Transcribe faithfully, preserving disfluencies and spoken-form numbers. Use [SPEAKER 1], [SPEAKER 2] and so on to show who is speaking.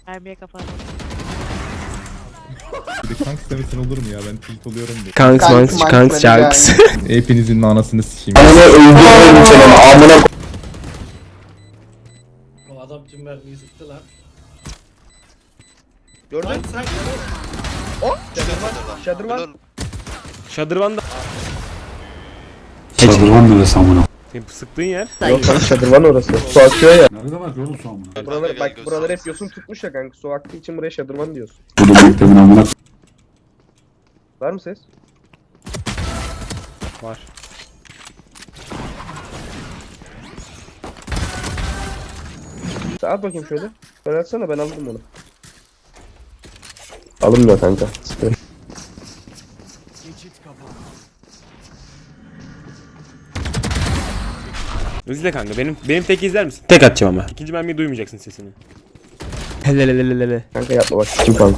[SPEAKER 1] Mermiye kafanı.
[SPEAKER 2] Bir de kanks demesin olur mu ya, ben tilt oluyorum diye.
[SPEAKER 3] Kanks manks kanks sharks.
[SPEAKER 2] Hepinizin anasını sikeyim.
[SPEAKER 4] O adam tüm mermiyi sıktı lan.
[SPEAKER 5] Gördün?
[SPEAKER 4] Lan sen
[SPEAKER 5] O. Şadırvan.
[SPEAKER 3] Şadırvan da.
[SPEAKER 6] Şadırvan neresi amına?
[SPEAKER 3] Senin sıktığın yer.
[SPEAKER 5] Yok kanka şadırvan orası. Su akıyor ya.
[SPEAKER 6] Nerede var yolun su amına?
[SPEAKER 5] Buraları, bak buraları hep yosun tutmuş ya kanka. Su aktığı için buraya şadırvan diyorsun.
[SPEAKER 6] Burada bekledin amına.
[SPEAKER 5] Var mı ses?
[SPEAKER 3] Var.
[SPEAKER 5] Sen at bakayım şöyle. Şöyle atsana, ben alırım onu. Alınmıyor kanka. Sıkıntı.
[SPEAKER 3] İzle kanka, benim benim tek izler misin? Tek atacağım ama. İkinci mermiyi duymayacaksın sesini. Helelelelele.
[SPEAKER 5] Kanka yapma bak. Kim kanka?